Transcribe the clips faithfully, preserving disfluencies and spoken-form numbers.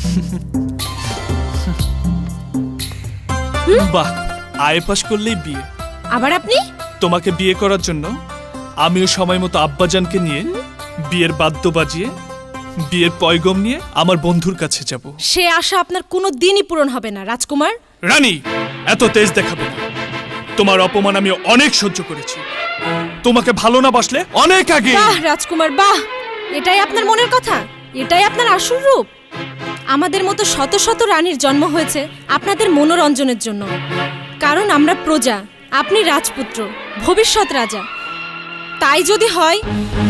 বাহ, আয়ে পাশ করলেই বিয়ে। আবার আপনি? তোমাকে বিয়ে করার জন্য আমিও সময় মতো আব্বাজানকে নিয়ে বিয়ের বাদ্য বাজিয়ে বিয়ের পয়গম নিয়ে আমার বন্ধুর কাছে যাব। সে আশা আপনার কোনো দিনই পূরণ হবে না রাজকুমার। রানী, এত তেজ দেখাবে না। তোমার অপমান আমি অনেক সহ্য করেছি। তোমাকে ভালো না বাসলে অনেক আগে। বাহ রাজকুমার বাহ, এটাই আপনার মনের কথা, এটাই আপনার আসল রূপ। আমাদের মতো শত শত রানীর জন্ম হয়েছে আপনাদের মনোরঞ্জনের জন্য। কারণ আমরা প্রজা, আপনি রাজপুত্র, ভবিষ্যৎ রাজা। তাই যদি হয়,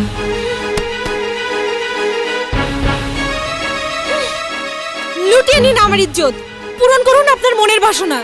লুটিয়ে নিন আমার ইজ্জত, পূরণ করুন আপনার মনের বাসনা।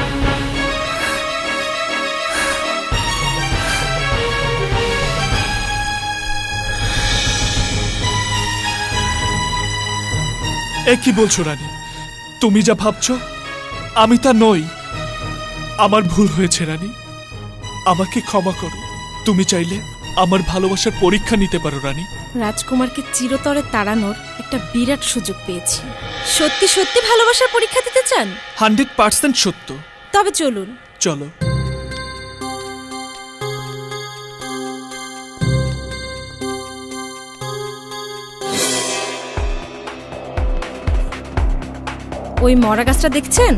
এ কি বলছো রানী? তুমি যা ভাবছো আমি তা নই। আমার ভুল হয়েছে রানী, আমাকে ক্ষমা করো। তুমি চাইলে আমার ভালোবাসার পরীক্ষা নিতে পারো রানী। রাজকুমারকে চিরতরে তাড়ানোর একটা বিরাট সুযোগ পেয়েছি। সত্যি সত্যি ভালোবাসার পরীক্ষা দিতে চান? হান্ড্রেড পার্সেন্ট সত্য। তবে চলুন। চলো। ওই মরা গাছটা দেখছেন?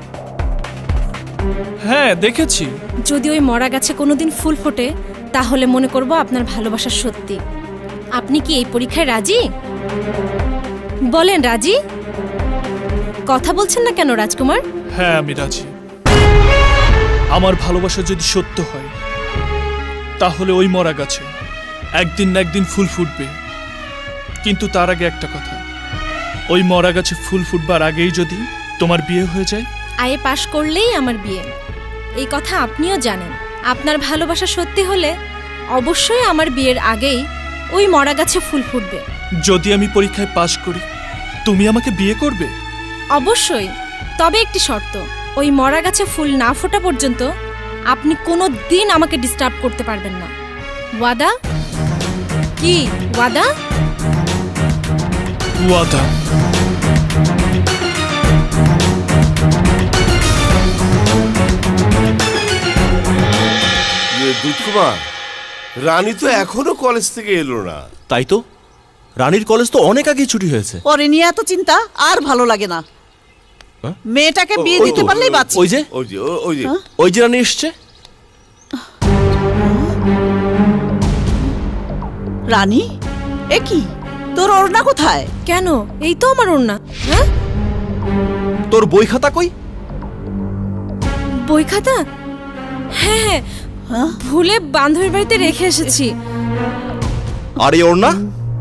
হ্যাঁ দেখেছি। যদি ওই মরা গাছে কোনোদিন ফুল ফোটে তাহলে মনে করব আপনার ভালোবাসা সত্যি। আপনি কি এই পরীক্ষায় রাজি? বলেন রাজি? কথা বলছেন না কেন রাজকুমার? হ্যাঁ আমি রাজি। আমার ভালোবাসা যদি সত্য হয় তাহলে ওই মরা গাছে একদিন না একদিন ফুল ফুটবে। কিন্তু তার আগে একটা কথা, ওই মরা গাছে ফুল ফুটবার আগেই যদি তোমার বিয়ে হয়ে যায়? আয়ে পাশ করলেই আমার বিয়ে, এই কথা আপনিও জানেন। আপনার ভালোবাসা সত্যি হলে অবশ্যই আমার বিয়ের আগেই ওই মরা গাছে ফুল ফুটবে। যদি আমি পরীক্ষায় পাশ করি তুমি আমাকে বিয়ে করবে? অবশ্যই, তবে একটি শর্ত, ওই মরা গাছে ফুল না ফোটা পর্যন্ত আপনি কোনো দিন আমাকে ডিস্টার্ব করতে পারবেন না। ওয়াদা? কি ওয়াদা? ওয়াদা। দুধকুমার, রানী তো এখনো কলেজ থেকে এলো না। তাই তো, রানীর কলেজ তো অনেক আগে ছুটি হয়েছে। পরে নিয়ে এত চিন্তা আর ভালো লাগে না। মেয়েটাকে বিয়ে দিতে পারলেই বাঁচি। ওই যে ওই যে ওই যে ওই যে রানী এসছে। রানী, এ কি তোর ওড়না কোথায়? কেন? এই তো আমার ওড়না। হ্যাঁ, তোর বই খাতা কই? বই খাতা? হ্যাঁ হ্যাঁ, ভুলে বান্ধবীর বাড়িতে রেখে এসেছি। আর এই ওড়না?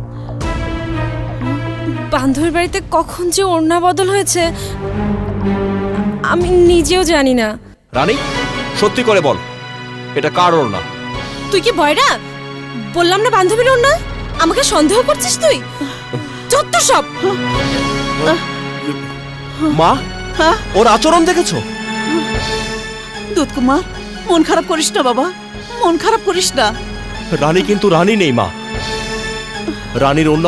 বান্ধবীর বাড়িতে কখন যে ওড়না বদল হয়েছে আমি নিজেও জানি না। রানী, সত্যি করে বল, এটা কার ওড়না? তুই কি বয়রা? বললাম না বান্ধবীর ওড়না। আমাকে সন্দেহ করছিস তুই? যত সব। মা, ওর আচরণ দেখেছো? দুধকুমার, মন খারাপ করিস না বাবা, মন খারাপ করিস না। রানী কিন্তু রানী নেই মা। রানীর ওড়না